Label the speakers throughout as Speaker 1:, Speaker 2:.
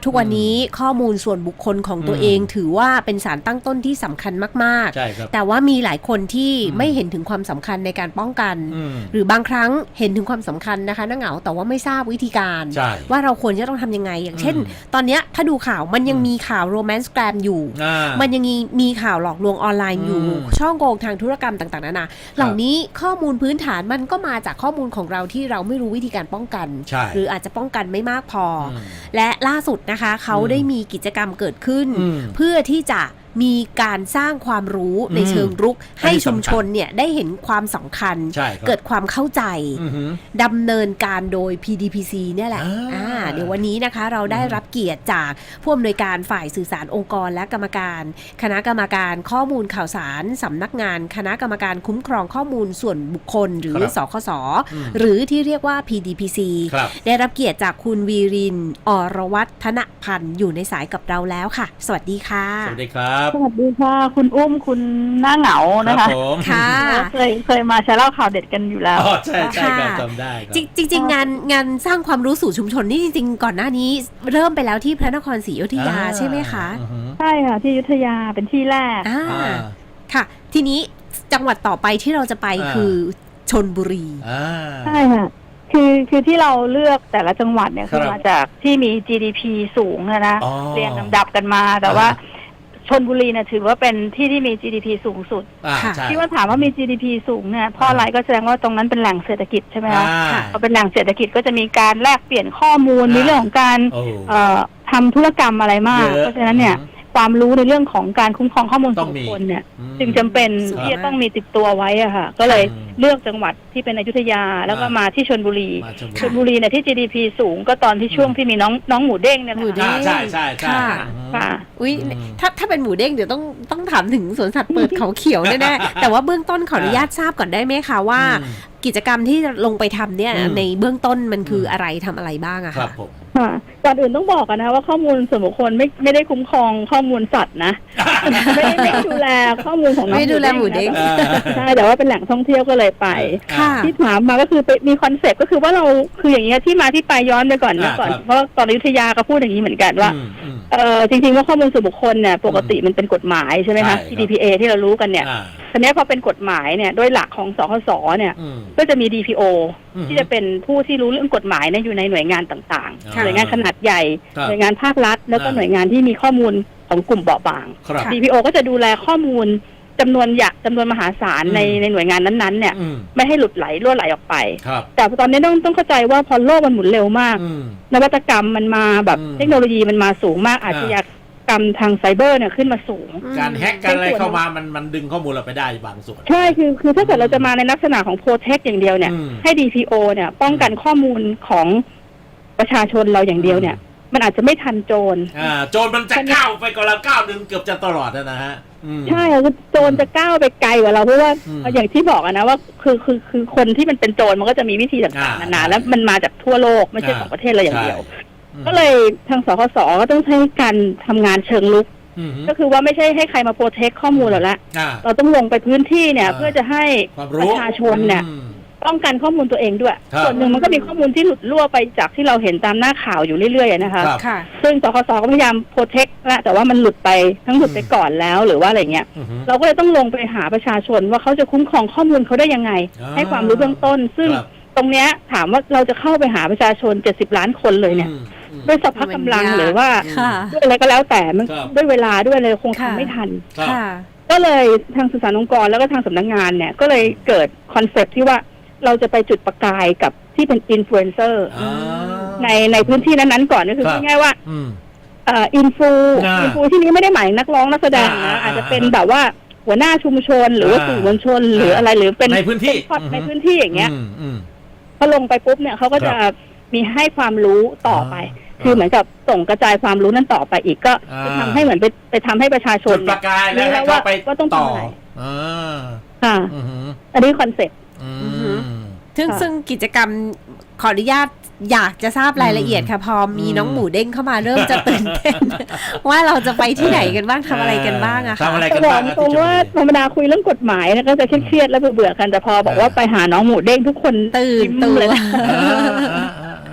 Speaker 1: ทุกวันนี้ข้อมูลส่วนบุคคลของตัวเองถือว่าเป็นสารตั้งต้นที่สำคัญมากๆแต่ว่ามีหลายคนที่ไม่เห็นถึงความสำคัญในการป้องกันหรือบางครั้งเห็นถึงความสำคัญนะคะน้าเหงาแต่ว่าไม่ทราบวิธีการว่าเราควรจะต้องทำยังไงอย่างเช่นตอนนี้ถ้าดูข่าวมันยังมีข่าวโรแมนต์แกรมอยู่มันยังมีข่าวหลอกลวงออนไลน์อยู่ช่อโกงทางธุรกรรมต่างๆนานาเหล่านี้ข้อมูลพื้นฐานมันก็มาจากข้อมูลของเราที่เราไม่รู้วิธีการป้องกันหรืออาจจะป้องกันไม่มากพอและล่าสุดนะคะเขาได้มีกิจกรรมเกิดขึ้นเพื่อที่จะมีการสร้างความรู้ในเชิงรุกให้ชุมชนเนี่ยได้เห็นความสำคัญเกิดความเข้าใจดำเนินการโดย PDPC เนี่ยแหละเดี๋ยววันนี้นะคะเราได้รับเกียรติจากผู้อำนวยการฝ่ายสื่อสารองค์กรและกรรมการคณะกรรมการข้อมูลข่าวสารสำนักงานคณะกรรมการคุ้มครองข้อมูลส่วนบุคคลหรือสคสหรือที่เรียกว่า PDPC ได้รับเกียรติจากคุณวีรินทร์ อรวัฒนพันธ์อยู่ในสายกับเราแล้วค่ะสวัสดีค่ะ
Speaker 2: สวัสดีครับ
Speaker 3: สวัสดีค่ะคุณอุ้มคุณหน้าเหงานะคะ
Speaker 1: ค่ะ
Speaker 3: เคยมาแชร์เล่าข่าวเด็ดกันอยู่แล้ว
Speaker 2: ใช่ใช่จำได้
Speaker 1: จริงๆงานสร้างความรู้สู่ชุมชนนี่จริงๆก่อนหน้านี้เริ่มไปแล้วที่พระนครศรีอยุธยาใช่ไหมคะ
Speaker 3: ใช่ค่ะที่อยุธยาเป็นที่แรก
Speaker 1: ค่ะทีนี้จังหวัดต่อไปที่เราจะไปคือชลบุรี
Speaker 3: ใช่ค่ะคือที่เราเลือกแต่ละจังหวัดเนี่ยคือมาจากที่มี GDP สูงนะเรียงลำดับกันมาแต่ว่าชลบุรีเนี่ยถือว่าเป็นที่มี GDP สูงสุดที่ว่าถามว่ามี GDP สูงเนี่ยเพราะอะไรก็แสดงว่าตรงนั้นเป็นแหล่งเศรษฐกิจใช่ไหมคะพอเป็นแหล่งเศรษฐกิจก็จะมีการแลกเปลี่ยนข้อมูลมีเรื่องของการทำธุรกรรมอะไรมากเพราะฉะนั้นเนี่ยความรู้ในเรื่องของการคุ้มครองข้อมูลส่วนบุคคลเนี่ยจึงจำเป็นที่จะต้องมีติดตัวไว้อะค่ะก็เลยเลือกจังหวัดที่เป็นอยุธยาแล้วก็มาที่ชลบุรีเนี่ยที่ GDP สูงก็ตอนที่ช่วงที่มีน้องหมูเด้งเนี่ย
Speaker 2: ค่ะใช่ใช่ใช่
Speaker 1: ค่ะอุ้ยถ้าเป็นหมูเด้งเดี๋ยวต้องถามถึงสวนสัตว์เปิดเขาเขียวแน่ๆแต่ว่าเบื้องต้นขออนุญาตทราบก่อนได้ไหมคะว่ากิจกรรมที่ลงไปทำเนี่ยในเบื้องต้นมันคืออะไรทำอะไรบ้างอะคะ
Speaker 3: ก่อนอื่นต้องบอกกันนะว่าข้อมูลส่วนบุคคลไม่ได้คุ้มครองข้อมูลสัตว์นะไม่ดูแลข้อมูลของน้อง
Speaker 1: ไม่ดูแลหมูเด้ง
Speaker 3: ใช่แต่ว่าเป็นแหล่งท่องเที่ยวก็เลยไปที่ถามมาก็คือมีคอนเซ็ปต์ก็คือว่าเราคืออย่างเงี้ยที่มาที่ไปย้อนไปก่อนเพราะตอนอยุธยาก็พูดอย่างนี้เหมือนกันว่าจริงๆว่าข้อมูลส่วนบุคคลเนี่ยปกติมันเป็นกฎหมายใช่ไหมคะ GDPR ที่เรารู้กันเนี่ยทีนี้พอเป็นกฎหมายเนี่ยโดยหลักของสคสเนี่ยก็จะมี DPO ที่จะเป็นผู้ที่รู้เรื่องกฎหมายเนี่ยอยู่ในหน่วยงานต่างๆหน่วยงานขนาดใหญ่หน่วยงานภาครัฐแล้วก็หน่วยงานที่มีข้อมูลของกลุ่มเบาบาง DPO ก็จะดูแลข้อมูลจำนวนมหาศาลในหน่วยงานนั้นๆเนี่ยไม่ให้หลุดไหลรั่วไหลออกไปแต่ตอนนี้ต้องเข้าใจว่าพอโลกมันหมุนเร็วมากนวัตกรรมมันมาแบบเทคโนโลยีมันมาสูงมากอาชญากรรมทางไซเบอร์เนี่ยขึ้นมาสูง
Speaker 2: การแฮกกันอะไรเข้ามามันดึงข้อมูลเราไปได้บางส่วน
Speaker 3: ใช่คือถ้าเกิดเราจะมาในลักษณะของโปรเทคอย่างเดียวเนี่ยให้ DPO เนี่ยป้องกันข้อมูลของประชาชนเราอย่างเดียวเนี่ยมันอาจจะไม่ทันโจร
Speaker 2: โจรมันจะก้าวไปก่อนเราก้าวนึงเกือบจะตลอดนะฮะ
Speaker 3: ใช่โจรจะก้าวไปไกลกว่าเราเพราะว่าอย่างที่บอกนะว่าคือคนที่มันเป็นโจรมันก็จะมีวิธีต่างๆนานาแล้วมันมาจากทั่วโลกไม่ใช่ของประเทศเราอย่างเดียวก็เลยทางสคสก็ต้องใช้การทำงานเชิงลุกก็คือว่าไม่ใช่ให้ใครมาโปรเทคข้อมูลเราละเราต้องลงไปพื้นที่เนี่ยเพื่อจะให้ประชาชนเนี่ยป้องกันข้อมูลตัวเองด้วยส่วนหนึ่งมันก็มีข้อมูลที่หลุดรั่วไปจากที่เราเห็นตามหน้าข่าวอยู่เรื่อยๆนะคะซึ่งสคสก็พยายามโปรเทคแล้วแต่ว่ามันหลุดไปก่อนแล้วหรือว่าอะไรเงี้ยเราก็เลยต้องลงไปหาประชาชนว่าเขาจะคุ้มครองข้อมูลเขาได้ยังไงให้ความรู้เบื้องต้นซึ่งตรงเนี้ยถามว่าเราจะเข้าไปหาประชาชน70 ล้านคนเลยเนี่ยด้วยสภาพกำลังหรือว่าด้วยอะไรก็แล้วแต่มันด้วยเวลาด้วยเลยคงทำไม่ทันก็เลยทางสื่อสารองค์กรแล้วก็ทางสำนักงานเนี่ยก็เลยเกิดคอนเซ็ปต์ที่ว่าเราจะไปจุดประกายกับที่เป็นอินฟลูเอนเซอร์ในพื้นที่นั้นๆก่อนก็คือง่ายๆว่าอินฟูที่นี้ไม่ได้หมายนักร้องนักแสดงนะอาจจะเป็นแบบว่าหัวหน้าชุมชนหรือว่าสื่อมวลชนหรืออะไรหรือเป็น
Speaker 2: ในพื้นที่
Speaker 3: อย่างเงี้ยพอลงไปปุ๊บเนี่ยเขาก็จะมีให้ความรู้ต่อไปคือเหมือนกับส่งกระจายความรู้นั้นต่อไปอีกก็จะทำให้เหมือนไปทำให้ประชาชน
Speaker 2: ประกายแล้ว
Speaker 3: ว่าต้องทำอะไรค่ะอันนี้คอนเซ็ปต์
Speaker 1: ซึ่งกิจกรรมขออนุญาตอยากจะทราบรายละเอียดค่ะพอมีน้องหมูเด้งเข้ามาเริ่มจะตื่นเต้นว่าเราจะไปที่ไหนกันบ้างทำอะไรกันบ้างอะค่ะ
Speaker 2: ทำอะไรกันบ้าง
Speaker 3: ตรงว่าธรรมดาคุยเรื่องกฎหมายนะก็จะเครียดๆแล้วเบื่อกันแต่พอบอกว่าไปหาน้องหมูเด้งทุกคน
Speaker 1: ตื่นเลย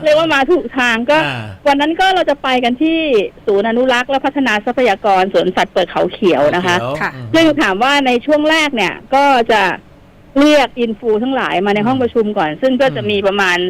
Speaker 3: เรียกว่ามาถูกทางก็วันนั้นก็เราจะไปกันที่ศูนย์อนุรักษ์และพัฒนาทรัพยากรสวนสัตว์เปิดเขาเขียวนะคะซึ่งถามว่าในช่วงแรกเนี่ยก็จะเรียกอินฟูทั้งหลายมาในห้องประชุมก่อนซึ่งก็จะมีประมาณ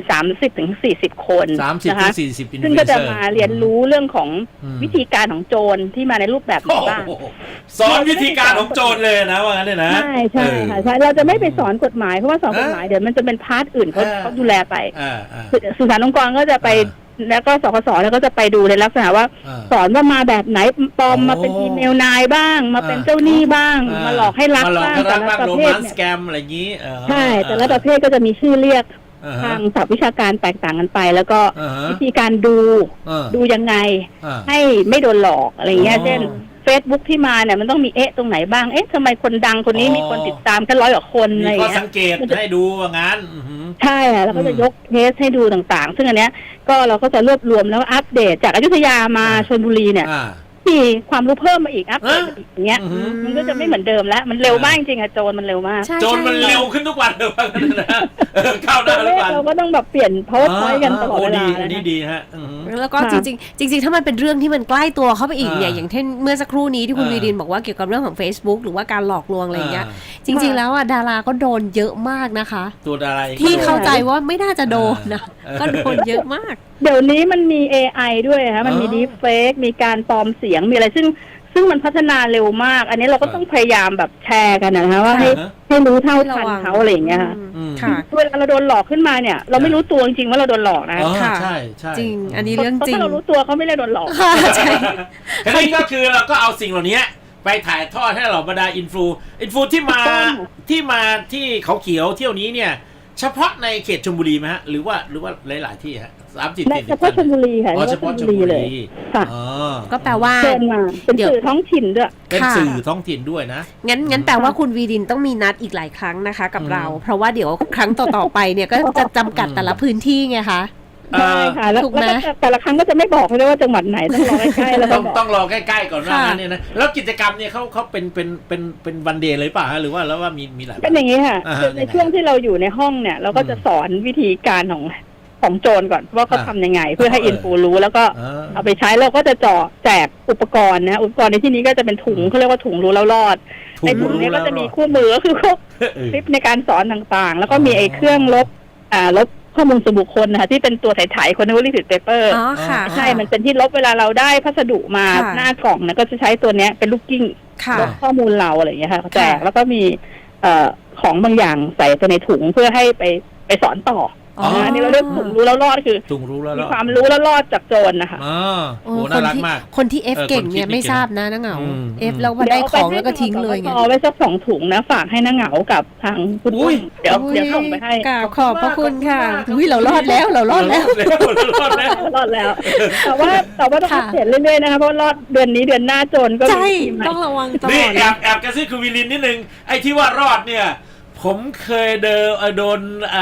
Speaker 3: 30-40 คนนะคะซึ่งก็จะมาเรียนรู้เรื่องของวิธีการของโจรที่มาในรูปแบบไหนบ้าง
Speaker 2: สอนวิธีการของโจรเลยนะว่างั้นเลยนะ
Speaker 3: ใช่ใช่ค่ะใช่เราจะไม่ไปสอนกฎหมายเพราะว่าสอนกฎหมายเดี๋ยวมันจะเป็นพาร์ทอื่นเขาดูแลไปสื่อสารองค์กรก็จะไปแล้วก็สคสแล้วก็จะไปดูในลักษณะว่าสอนว่ามาแบบไหนปลอมมาเป็นอีเมลนายบ้างมาเป็นเจ้าหนี้บ้างมาหลอกให้รักบ้างแต่ละประเภทเนี่ย
Speaker 2: สแกมอะไรอย่างนี้
Speaker 3: ใช่แต่ละประเภทก็จะมีชื่อเรียกทางศัพท์วิชาการแตกต่างกันไปแล้วก็วิธีการดูยังไงให้ไม่โดนหลอกอะไรเงี้ยเช่นFacebook ที่มาเนี่ยมันต้องมีตรงไหนบ้างทำไมคนดังคนนี้มีคนติดตามแค่100 กว่าคนอะไรเงี้ย
Speaker 2: มีข้อสังเกตให้ดูว่างั้น
Speaker 3: ใช่แล้วก็จะยกเคสให้ดูต่างๆซึ่งอันเนี้ยก็เราก็จะรวบรวมแล้วอัปเดตจากอยุธยามาชลบุรีเนี่ยมีความรู้เพิ่มมาอีกอัปเดตอีกอย่างเงี้ยมันก็จะไม่เหมือนเดิมแล้วมันเร็วมากจริงๆอะโจรมันเร็วมาก
Speaker 2: โจรมันเร็วขึ้นทุกวันเลยว่างั้นนะเข้าหน้าทุกวัน
Speaker 3: เราก็ต้องแบบเปลี่ยน PowerPoint กันตลอดเวลา
Speaker 2: ดีฮะ
Speaker 1: แล้วก็จริงถ้ามันเป็นเรื่องที่มันใกล้ตัวเข้าไปอีกเนี่ยอย่างเช่นเมื่อสักครู่นี้ที่คุณวีดินบอกว่าเกี่ยวกับเรื่องของ Facebook หรือว่าการหลอกลวงอะไรอย่างเงี้ยจริงๆแล้วอ่ะดาราก็โดนเยอะมากนะคะ
Speaker 2: ตัวดารา
Speaker 1: ที่เข้าใจว่าไม่น่าจะโดนนะก็โดนเยอะมาก
Speaker 3: เดี๋ยวนี้มันมี AI ด้วยค่ะมันมี Deepfake มีการปลอมเสียงมีอะไรซึ่งมันพัฒนาเร็วมากอันนี้เราก็ต้องพยายามแบบแชร์กันนะคะว่าให้รู้เท่าทันเขาอะไรอย่างเงี้ยค่ะเวลาเราโดนหลอกขึ้นมาเนี่ยเราไม่รู้ตัวจริงๆว่าเราโดนหลอกนะ
Speaker 2: ค่ะใช่
Speaker 1: จริงอันนี้เรื่องจริง
Speaker 3: ถ้าเรารู้ตัวเขาไม่ได้โดนหลอก
Speaker 1: ใช่
Speaker 2: ทีนี้ก็คือเราก็เอาสิ่งเหล่านี้ไปถ่ายทอดให้เราบรรดาอินฟูที่มาที่เขาเขียวเที่ยวนี้เนี่ยเฉพาะในเขตชลบุรีไหมฮะหรือว่าหลายๆที่ฮะ
Speaker 3: เฉพาะชลบุรีค่ะ
Speaker 2: เฉพาะชลบุรีเลย
Speaker 3: ค่ะ
Speaker 1: ก็แปลว่า
Speaker 3: เป็นสื่อท้องถิ่นด้วย
Speaker 2: เป็นสื่อท้องถิ่นด้วยนะ
Speaker 1: งั้นแปลว่าคุณวีดินต้องมีนัดอีกหลายครั้งนะคะกับเราเพราะว่าเดี๋ยวครั้งต่อๆไปเนี่ยก็จะจำกัดแต่ละพื้นที่ไงคะ
Speaker 3: ใช่ค่ะแล้วแต่ละครั้งก็จะไม่บอกเลยว่าจังหวัดไหนต้องรอใกล้ๆแล้ว
Speaker 2: ต้องรอใกล้ๆก่อนว่างั้นเนี่ยนะแล้วกิจกรรมเนี่ยเขาเป็นวันเดย์เลยป่ะฮะหรือว่าแล้วว่ามีหลาย
Speaker 3: เป็นอย่างนี้ค่ะในช่วงที่เราอยู่ในห้องเนี่ยเราก็จะสอนวิธีการของโจรก่อนว่าเขาทำยังไงเพื่อให้อินฟูรู้แล้วก็เอาไปใช้เราก็จะแจกอุปกรณ์นะอุปกรณ์ในที่นี้ก็จะเป็นถุงเขาเรียกว่าถุงรู้แล้วรอดในถุงนี้ก็จะมีคู่มือก็คือคลิปในการสอนต่างๆแล้วก็มีไอ้เครื่องลบข้อมูลส่วนบุคคลนะคะที่เป็นตัวถ่ายคนนึกว่าลิขิตเปเปอร์ใช่มันเป็นที่ลบเวลาเราได้พัสดุมาหน้ากล่องนะก็จะใช้ตัวเนี้ยเป็นลูกกิ้งลบข้อมูลเราอะไรอย่างเงี้ยค่ะแจกแล้วก็มีของบางอย่างใส่ไปในถุงเพื่อให้ไปสอนต่ออันนี้เราเรียกถุงรู้แล้วรอดคือมีความรู้แล้วรอดจากโจรนะคะ
Speaker 2: โอ้น่ารักมาก
Speaker 1: คนที่ F เก่งเนี่ยไม่ทราบนะน้าเหงา F แล้วมาได้ของแล้วก็ทิ้งเลยไง
Speaker 3: เอาไว้สัก2 ถุงนะฝากให้น้าเหงากับทางคุณเดี๋ยวส่งไปให้
Speaker 1: ขอบพระคุณค่ะเรารอดแล้ว
Speaker 2: รอดแล้ว
Speaker 3: แต่ว่าต้องเปลี่ยนเรื่อยๆนะคะเพราะรอดเดือนนี้เดือนหน้าโจรก็
Speaker 1: ใช่ต้องระวังตลอด
Speaker 2: นี่แอบกระซิบคุณวิลินนิดนึงไอ้ที่ว่ารอดเนี่ยผมเคยโดน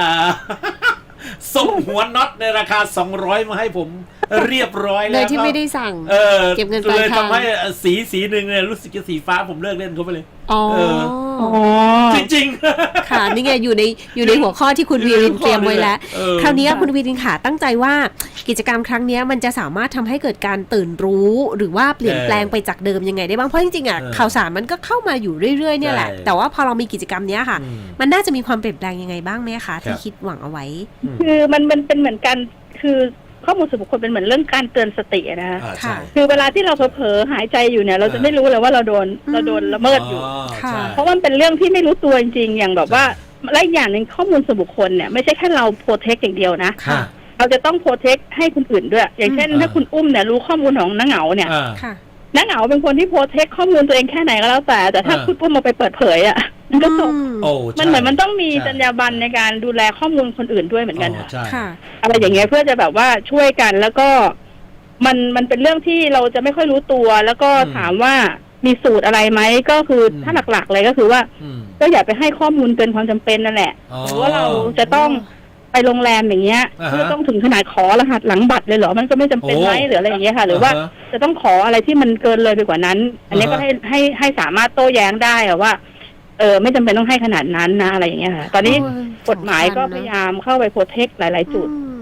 Speaker 2: ส่งหัวน็อตในราคา200มาให้ผมเรียบร้อยแล้ว
Speaker 1: เลยที่ไม่ได้สั่งเก็บเงินปลายทางเลย
Speaker 2: ทำให้สีหนึ่งเนี่ยรู้สึกจะสีฟ้าผมเลิกเล่นเขาไปเลยจริง
Speaker 1: ๆค่ะนี่ไงอยู่ในหัวข้อที่คุณวีรินเตรียมไว้แล้วคราวนี้คุณวีรินค่ะตั้งใจว่ากิจกรรมครั้งนี้มันจะสามารถทำให้เกิดการตื่นรู้หรือว่าเปลี่ยนแปลงไปจากเดิมยังไงได้บ้างเพราะจริงๆอ่ะข่าวสารมันก็เข้ามาอยู่เรื่อยๆเนี่ยแหละแต่ว่าพอเรามีกิจกรรมนี้ค่ะมันน่าจะมีความเปลี่ยนแปลงยังไงบ้างไหมคะที่คิดหวังเอาไว้
Speaker 3: คือมันเป็นเหมือนกันคือข้อมูลส่วนบุคคลเป็นเหมือนเรื่องการเตือนสตินะคะคือเวลาที่เราเผลอหายใจอยู่เนี่ยเราจะไม่รู้เลยว่าเราโดนละเมิดอยู่เพราะว่ามันเป็นเรื่องที่ไม่รู้ตัวจริงๆอย่างแบบว่าและอย่างหนึ่งข้อมูลส่วนบุคคลเนี่ยไม่ใช่แค่เราโปรเทคอย่างเดียวนะเราจะต้องโปรเทคให้คนอื่นด้วยอย่างเช่นถ้าคุณอุ้มเนี่ยรู้ข้อมูลของน้าเหงาเนี่ยน้าเหงาเป็นคนที่โปรเทคข้อมูลตัวเองแค่ไหนก็แล้วแต่ถ้าคุณอุ้มมาไปเปิดเผยอ่ะมันก็จบมันเหมือนมันต้องมีจรรยาบรรณในการดูแลข้อมูลคนอื่นด้วยเหมือนกันค่ะอะไรอย่างเงี้ยเพื่อจะแบบว่าช่วยกันแล้วก็มันเป็นเรื่องที่เราจะไม่ค่อยรู้ตัวแล้วก็ถามว่ามีสูตรอะไรไหมก็คือถ้าหลักๆเลยก็คือว่าก็อย่าไปให้ข้อมูลเกินความจำเป็นนั่นแหละหรือว่าเราจะต้องไปโรงแรมอย่างเงี้ยเพื่อต้องถึงขนาดขอรหัสหลังบัตรเลยเหรอมันก็ไม่จำเป็นไหมหรืออะไรอย่างเงี้ยค่ะหรือว่าจะต้องขออะไรที่มันเกินเลยไปกว่านั้นอันนี้ก็ให้สามารถโต้แย้งได้ว่าไม่จำเป็นต้องให้ขนาดนั้นนะอะไรอย่างเงี้ยค่ะตอนนี้กฎหมายก็พยายามเข้าไปโปรเทคหลายๆจุด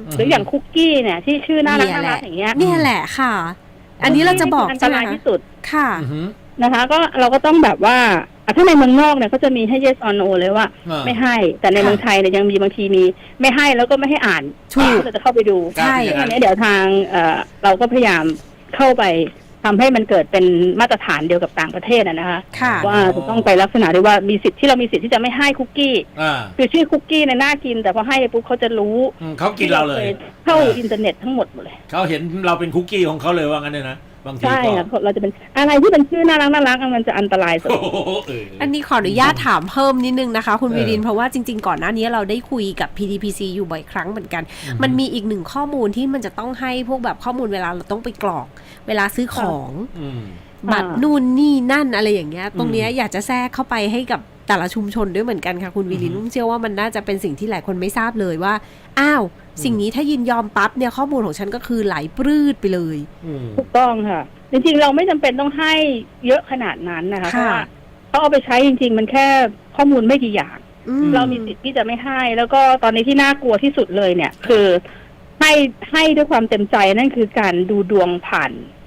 Speaker 3: หรืออย่างคุกกี้เนี่ยที่ชื่อน่ารักอย่างเงี้ย
Speaker 1: เนี่ยแหละค่ะ อันนี้เราจะบอก
Speaker 3: อันตรายที่สุด
Speaker 1: ค่ะ
Speaker 3: นะคะก็เราก็ต้องแบบว่าถ้าในเมืองนอกเนี่ยก็จะมีให้ yes or no เลยว่าไม่ให้แต่ในเมืองไทยเนี่ยยังมีบางทีมีไม่ให้แล้วก็ไม่ให้อ่านก็จะเข้าไปดู
Speaker 1: ใช่
Speaker 3: อันนี้เดี๋ยวทางเราก็พยายามเข้าไปทำให้มันเกิดเป็นมาตรฐานเดียวกับต่างประเทศนะคะว่าจะต้องไปลักษณะด้วยว่ามีสิทธิ์ที่เรามีสิทธิ์ที่จะไม่ให้คุกกี้คือชื่อคุกกี้เนี่ยน่ากินแต่พอให้ปุ๊บเขาจะรู้
Speaker 2: เขากินเราเลย
Speaker 3: เข้าอินเทอร์เน็ตทั้งหมดเลย
Speaker 2: เขาเห็นเราเป็นคุกกี้ของเขาเลยว่างั้นเลยนะบางที
Speaker 3: ใช่ค่ะเราจะเป็นอะไรที่เป็นชื่อน่ารักมันจะอันตรายสุด
Speaker 1: อันนี้ขออนุญาตถามเพิ่มนิดนึงนะคะคุณวีรินเพราะว่าจริงๆก่อนหน้านี้เราได้คุยกับ PDPC อยู่บ่อยครั้งเหมือนกันมันมีอีกหนึ่งข้อมูลที่มันจะต้องให้พวกแบบข้อมูลเวลาเราต้องไปกรอกเวลาซื้อของบัตรนู่นนี่นั่นอะไรอย่างเงี้ยตรงเนี้ยอยากจะแทรกเข้าไปให้กับแต่ละชุมชนด้วยเหมือนกันค่ะคุณวีรินเชื่อว่ามันน่าจะเป็นสิ่งที่หลายคนไม่ทราบเลยว่าอ้าวสิ่งนี้ถ้ายินยอมปั๊บเนี่ยข้อมูลของฉันก็คือไหลปรื้ดไปเลย
Speaker 3: ถูกต้องค่ะจริงๆเราไม่จำเป็นต้องให้เยอะขนาดนั้นนะคะเพราะว่าเขาเอาไปใช้จริงๆมันแค่ข้อมูลไม่กี่อย่างเรามีสิทธิ์ที่จะไม่ให้แล้วก็ตอนนี้ที่น่ากลัวที่สุดเลยเนี่ยคือให้ด้วยความเต็มใจนั่นคือการดูดวงผ่าน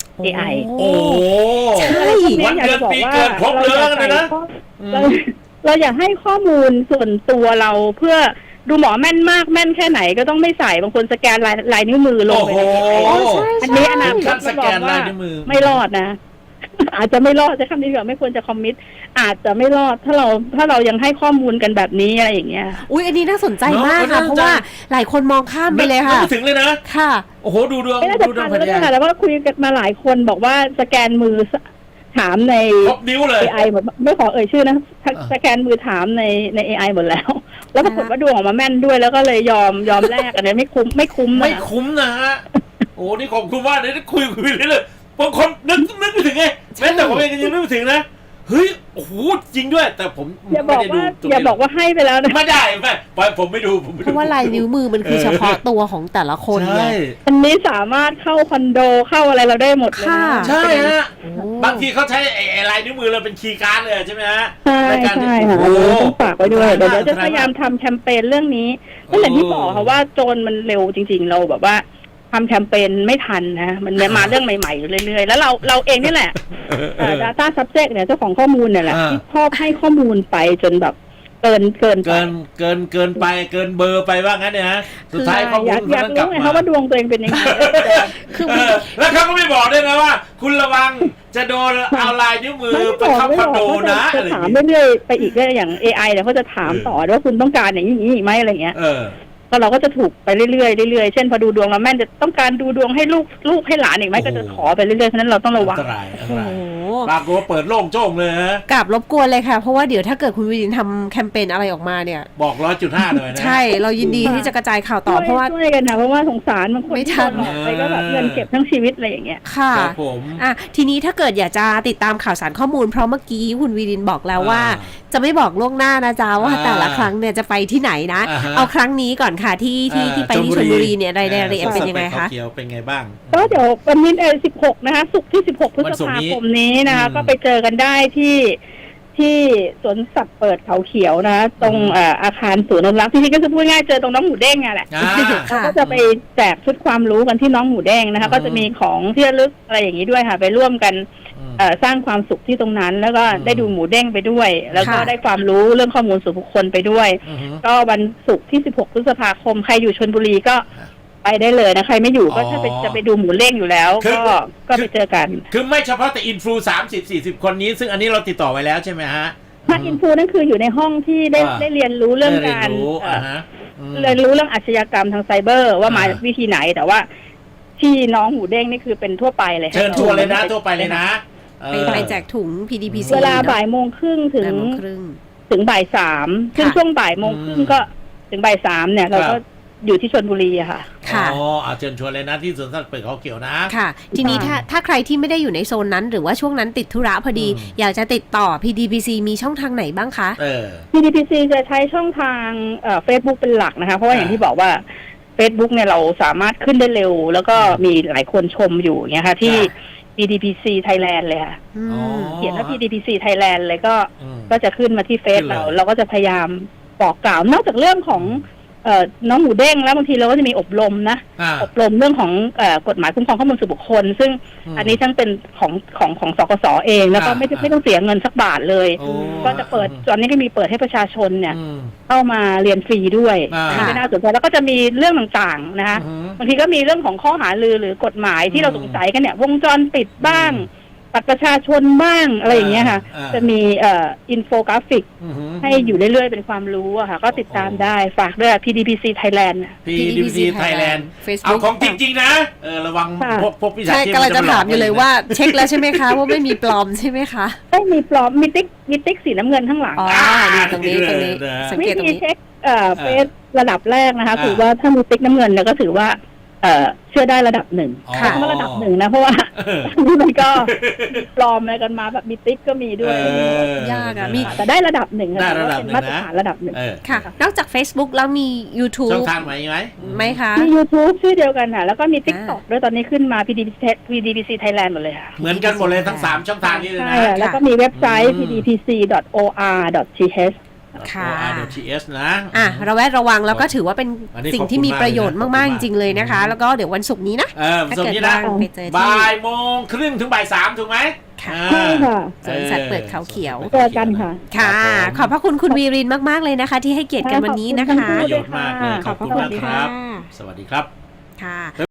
Speaker 3: AI
Speaker 2: โอ้
Speaker 1: ใช่
Speaker 2: วันเดือนปีเกิดครบเลยนะ
Speaker 3: เราอยากให้ข้อมูลส่วนตัวเราเพื่อดูหมอแม่นมากแม่นแค่ไหนก็ต้องไม่ใส่บางคนสแกนลายนิ้วมือลงไปอันนี้อนาคตจะบอกว่าไม่รอดนะอาจจะไม่รอดจะคำนี้แบบไม่ควรจะคอมมิตอาจจะไม่รอดถ้าเรายังให้ข้อมูลกันแบบนี้อะไรอย่างเงี้ย
Speaker 1: อุ้ยอันนี้น่าสนใจมากค่ะเพราะว่าหลายคนมองข้ามไปเลยค่ะ
Speaker 2: ถึงเลยนะ
Speaker 1: ค่ะ
Speaker 2: โอ้โหดูดวง
Speaker 3: แล้วก็คุยกันมาหลายคนบอกว่าสแกนมือถามใน AI หมดไม่ขอเอ่ยชื่อนะสแกนมือถามใน AI หมดแล้วปรากฏว่าดวงออกมาแม่นด้วยแล้วก็เลยยอมแลกอันนี้ไม่คุ้ม
Speaker 2: นะฮะโอ้นี่ขอบคุณมากเลยคุยเลยบางคนนึกไม่ถึงไงแม้แต่ผมเองยังนึกไม่ถึงนะเฮ้ยโอ้โหจริงด้วยแต่ผม
Speaker 3: อย่าบอกว่าให้ไปแล้วนะ
Speaker 2: ไม่ได้ผมไม่ดู
Speaker 1: เพราะว่าลายนิ้วมือมันคือเฉพาะตัวของแต่ละคน
Speaker 2: ไง
Speaker 3: อันนี้สามารถเข้าคอนโดเข้าอะไรเราได้หมดเลย
Speaker 2: ใช่ฮะบางทีเขาใช้ไอ้ลายนิ้วมือเราเป็นคีย์การ์ดเลยใช่ไหมฮะ
Speaker 3: ใช่ค่ะต้องฝากไว้ด้วยเดี๋ยวจะพยายามทำแคมเปญเรื่องนี้ก็อย่างที่บอกค่ะว่าโจรมันเร็วจริงๆเราแบบว่าทำแคมเปญไม่ทันนะมันมาเรื่องใหม่ๆอยู่เรื่อยๆแล้วเราเองนี่แหละdata subject เนี่ยเจ้าของข้อมูลเนี่ยแหละที่ชอบให้ข้อมูลไปจนแบบเกินไปเ
Speaker 2: กินเบอร์ไปว่างั้นเนี่ยฮะสุดท้ายข้อมูล
Speaker 3: อยากรู้ไงคะว่าดวงตัวเองเป็นยังไง
Speaker 2: แล้วเขาก็ไม่บอกด้วยนะว่าคุณระวังจะโดนเอาลายนิ้วมือไปเข้าคอนโดนะ
Speaker 3: อะไรถามเรื่อยๆไปอีกอย่าง AI เนี่ยเขาจะถามต่อว่าคุณต้องการอย่างนี้อีกไหมอะไรเงี้ยก็เราก็จะถูกไปเรื่อยๆเช่นพอดูดวงแล้วแม่นจะต้องการดูดวงให้ลูกให้หลานอีกไหมก็จะขอไปเรื่อยๆเพราะนั้นเราต้องระวัง
Speaker 2: ปรากฏว่าเปิดโล่งโจ้งเลยฮะ
Speaker 1: กราบรบกวนเลยค่ะเพราะว่าเดี๋ยวถ้าเกิดคุณวิรินทำแคมเปญอะไรออกมาเนี่ย
Speaker 2: บอก 100.5 เลยนะ
Speaker 1: ใช่เรายินดีที่จะกระจายข่าวต่อเพราะว่า
Speaker 3: ช่วยกันนะเพราะว่าสงสารบางคนที่โดนหลอกไปก็แบบเงินเก็บทั้งชีวิตอะไรอย่างเงี้ย
Speaker 1: ค่ะทีนี้ถ้าเกิดอยากจะติดตามข่าวสารข้อมูลเพราะเมื่อกี้คุณวิรินบอกแล้วว่าจะไม่บอกล่วงหน้านะจ๊ะว่าแต่ละครั้งเนี่ยจะไปที่ไหนนะเอาครั้งนี้ก่อนค่ะที่ไปที่ชลบุรีเนี่ยรายละเอียดเป็นยังไงคะ
Speaker 2: เป็นไงบ้าง
Speaker 3: ก็เดี๋ยววันนี้16นะคะศุกร์ที่16พฤษภาคมนี้นะคะก็ไปเจอกันได้ที่สวนสัตว์เปิดเขาเขียวนะตรงอาคารศูนย์อนุรักษ์ที่นี่ก็จะพูดง่ายเจอตรงน้องหมูเด้งแหละก็จะไปแจกชุดความรู้กันที่น้องหมูเด้งนะคะก็จะมีของที่ระลึกอะไรอย่างนี้ด้วยค่ะไปร่วมกันสร้างความสุขที่ตรงนั้นแล้วก็ได้ดูหมูเด้งไปด้วยแล้วก็ได้ความรู้เรื่องข้อมูลส่วนบุคคลไปด้วยก็วันศุกร์ที่16พฤษภาคมใครอยู่ชลบุรีก็ไปได้เลยนะใครไม่อยู่ก็ถ้าจะไปดูหมูเด้งอยู่แล้วก็ไปเจอกัน
Speaker 2: คือไม่เฉพาะแต่อินฟลู30-40 คนนี้ซึ่งอันนี้เราติดต่อไว้แล้วใช่ไหมฮะ
Speaker 3: ถ้าอินฟลูนั่นคืออยู่ในห้องที่ได้เรียนรู้เรื่องการเรียนรู้เรื่องอาชญากรรมทางไซเบอร์ว่ามาวิธีไหนแต่ว่าที่น้องหมูเด้งนี่คือเป็นทั่วไปเลย
Speaker 2: เชิญชวนเลยนะทั่วไปเลยนะ
Speaker 1: ไปแจกถุง PDPC
Speaker 3: เวลาบ่ายโมงครึ่งถึงบ่าย3ซึ่งช่วงบ่ายโมงครึ่งก็ถึงบ่าย3เนี่ยเราก็อยู่ที่ชลบุรีอะค่ะ
Speaker 2: อ๋อเชิญชวนเลยนะที่สวนสัตว์เปิดเขาเขียวนะ
Speaker 1: ค่ะทีนี้ถ้าใครที่ไม่ได้อยู่ในโซนนั้นหรือว่าช่วงนั้นติดธุระพอดีอยากจะติดต่อ PDPC มีช่องทางไหนบ้างคะ
Speaker 3: PDPC จะใช้ช่องทางFacebook เป็นหลักนะคะเพราะว่าอย่างที่บอกว่า Facebook เนี่ยเราสามารถขึ้นได้เร็วแล้วก็มีหลายคนชมอยู่เงี้ยค่ะที่PDPC Thailand เลยค่ะเขียนว่า PDPC Thailand เลยก็จะขึ้นมาที่เฟซเราก็จะพยายามบอกกล่าวนอกจากเรื่องของน้องหมูเด้งแล้วบางทีเราก็จะมีอบรมนะอบรมเรื่องของกฎหมายคุ้มครองข้อมูลส่วนบุคคลซึ่งอันนี้ทั้งเป็นของสกสเองแล้วก็ไม่ต้องเสียเงินสักบาทเลยก็จะเปิดตอนนี้ก็มีเปิดให้ประชาชนเนี่ยเข้ามาเรียนฟรีด้วยที่น่าสนใจแล้วก็จะมีเรื่องต่างๆนะคะบางทีก็มีเรื่องของข้อหาลือหรือกฎหมายที่เราสงสัยกันเนี่ยวงจรปิดบ้างบัตรประชาชนบ้างอะไรอย่างเงี้ยค่ะจะมีอินโฟกราฟิกให้อยู่เรื่อยๆเป็นความรู้อะค่ะก็ติดตามได้ฝากด้วย PDPC Thailand
Speaker 2: PDPC Thailand เอาของจริงๆนะระวังพวกพิจารณา
Speaker 1: ใช่กำลังจะถามอยู่เลยว่าเช็คแล้วใช่ไหมคะว่าไม่มีปลอมใช่ไหมคะ
Speaker 3: ไม่มีปลอมมีติ๊กสีน้ำเงินข้างหลัง
Speaker 1: อ๋อนี่ตรงนี้สังเกตตรงนี้
Speaker 3: เช็คเฟซระดับแรกนะคะถือว่าถ้ามีติ๊กน้ำเงินเนี่ยก็ถือว่าเชื่อได้ระดับหนึ่งค่ะเพราะระดับหนึ่งนะเพราะว่านี่มันก็ปลอมอะไรกันมาแบบมีติ๊กก็มีด้วย
Speaker 1: ยากอะมี
Speaker 3: แต่ได้ระดับหนึ่งนะเป็นมาตรฐานระดับหนึ่ง
Speaker 1: ค่ะนอกจาก Facebook แล้วมี YouTube
Speaker 2: ช่องทางไหม
Speaker 1: คะ
Speaker 3: มี YouTube ชื่อเดียวกันค่ะแล้วก็มี TikTok ด้วยตอนนี้ขึ้นมา PDPC Thailand หมดเลยค่ะ
Speaker 2: เหมือนกันหมดเลยทั้ง3ช่องทางนี้เลยนะ
Speaker 3: แล้วก็มีเว็บไซต์ pdpc.or.th
Speaker 1: ค่ะ
Speaker 2: OR.th นะ
Speaker 1: ระแวดระวังแล้วก็ถือว่าเป็นสิ่งที่มีประโยชน์มากๆจริงๆเลยนะคะแล้วก็เดี๋ยววันศุกร์นี้นะ
Speaker 2: วันศุกร์นี้นะบ่ายโมงครึ่งถึงบ่าย3ถูกไหม
Speaker 3: ใช่ค่ะ
Speaker 1: สวนสัตว์เปิดเขาเขียว
Speaker 3: เจอกันค่ะ
Speaker 1: ค่ะขอบพระคุณคุณวีรินมากๆเลยนะคะที่ให้เกียรติกันวันนี้นะคะ
Speaker 2: ประโยชน์มากเลยขอบคุณมากครับสวัสดีครับ
Speaker 1: ค่ะ